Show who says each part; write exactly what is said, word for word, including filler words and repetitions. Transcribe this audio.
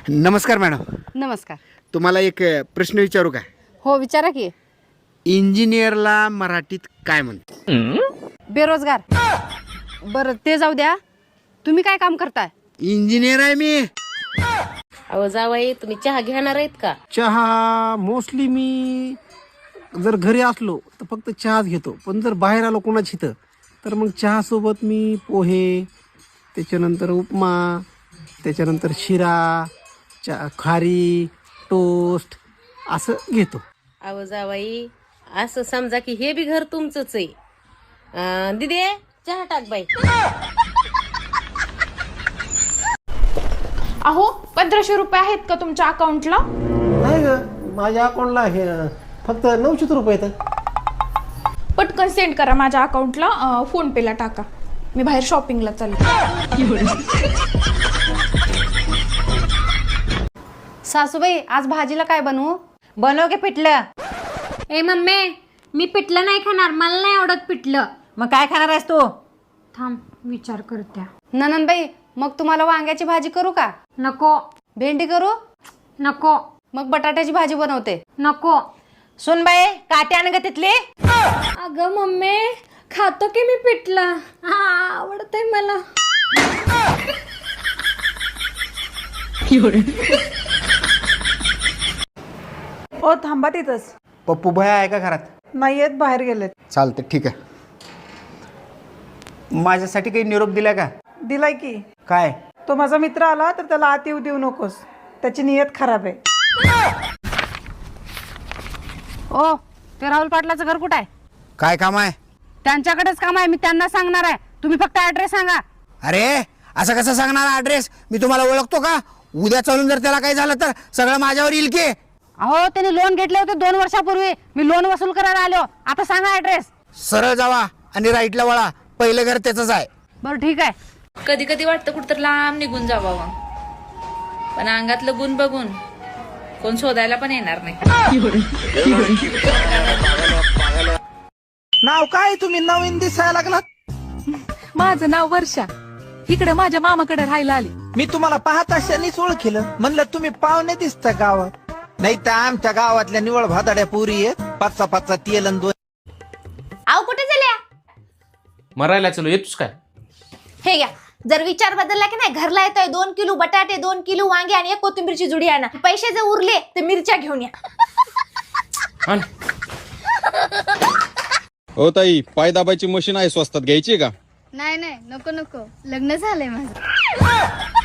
Speaker 1: नमस्कार मॅडम.
Speaker 2: नमस्कार.
Speaker 1: तुम्हाला एक प्रश्न विचारू का?
Speaker 2: हो विचारा की.
Speaker 1: इंजिनियरला मराठीत काय म्हणतात?
Speaker 2: बेरोजगार. बरं ते जाऊ द्या, तुम्ही काय काम करताय?
Speaker 1: इंजिनियर आहे मी.
Speaker 3: अहो जावाई, तुम्ही चहा घेणार आहेत का?
Speaker 4: चहा मोस्टली मी जर घरी असलो तर फक्त चहाच घेतो, पण जर बाहेर आलो कोणाची इथं तर मग चहासोबत मी पोहे, त्याच्यानंतर उपमा, त्याच्यानंतर शिरा, चा खारी, टोस्ट असं घेतो.
Speaker 3: अहो जावाई, असं समजा की हे बी घर तुमचंच आहे. अं, दिदे चहा टाक बाई.
Speaker 5: अहो पंधराशे रुपये आहेत का तुमच्या अकाउंटला?
Speaker 4: नाही ग, माझ्या अकाउंटला हे फक्त नऊशेच रुपये येतात.
Speaker 5: पटकन सेंड करा माझ्या अकाउंटला, फोन पेला टाका. मी बाहेर शॉपिंगला चालले.
Speaker 2: सासूबाई आज भाजीला काय बनवू?
Speaker 6: बनव की पिठलं.
Speaker 7: ए मम्मी, मी पिठलं नाही खाणार, मला नाही आवडत पिठलं.
Speaker 6: मग काय खाणार आहेस तू?
Speaker 7: थांब विचार करत्या.
Speaker 2: ननंदबाई मग तुम्हाला वांग्याची भाजी करू का?
Speaker 7: नको
Speaker 2: भेंडी करू?
Speaker 7: नको
Speaker 2: मग बटाट्याची भाजी बनवते.
Speaker 7: नको.
Speaker 6: सुन बाई, काटे आण ग तिथली.
Speaker 7: अगं मम्मी, खातो की मी पिठलं, हा आवडतंय मला.
Speaker 8: ओ थांबा तिथंच.
Speaker 1: पप्पू भया आहे का घरात?
Speaker 8: नाही येत, बाहेर गेलेत.
Speaker 1: चालतं, ठीक आहे. माझ्यासाठी काही निरोप दिला का?
Speaker 8: दिलाय की.
Speaker 1: काय?
Speaker 8: तो माझा मित्र आला तर त्याला आत येऊ देऊ नकोस, त्याची नियत खराब आहे.
Speaker 2: ओ ते राहुल पाटलाचं घर कुठं आहे?
Speaker 1: काय काम आहे?
Speaker 2: त्यांच्याकडेच काम आहे, मी त्यांना सांगणार आहे. तुम्ही फक्त ऍड्रेस सांगा.
Speaker 1: अरे असं कसं सांगणार ऍड्रेस? मी तुम्हाला ओळखतो का? उद्या चालून जर त्याला काही झालं तर सगळं माझ्यावर येईल की.
Speaker 2: अहो त्यांनी लोन घेतले होते दोन वर्षापूर्वी, मी लोन वसूल करायला आलो. आता सांगा ऍड्रेस.
Speaker 1: सरळ जावा आणि राईटला वळा, पहिलं घर त्याचंच आहे.
Speaker 2: बरं ठीक आहे.
Speaker 9: कधी कधी वाटतं कुठतर लांब निघून जावावं, पण अंगातलं गुण बघून कोण शोधायला पण येणार नाही.
Speaker 8: नाव काय? तुम्ही नवीन दिसायला लागलात.
Speaker 9: माझं नाव वर्षा. इकडे माझ्या मामाकडे राहायला आली.
Speaker 8: मी तुम्हाला पाहत अशानेच ओळखलं, म्हणलं तुम्ही पाहुणे दिसता गावात. नाही तर आमच्या गावातल्या निवळ भादाड्या पुरी आहेत, पाचचा पाचचा तेल आणि दोन.
Speaker 7: आव कुठे झाल्या?
Speaker 10: मरायला चलो, येतोस काय?
Speaker 7: हे घ्या, जर विचार बदलला की नाही, घरला येतोय दोन किलो बटाटे, दोन किलो वांगे आणि एक कोथिंबीरची जुडी आणा. पैसे जर उरले तर मिरच्या घेऊन या.
Speaker 11: हो ताई, पाय दाबायची मशीन आहे, स्वस्तात घ्यायची का?
Speaker 7: नाही नाही, नको नको, लग्न झालंय माझं.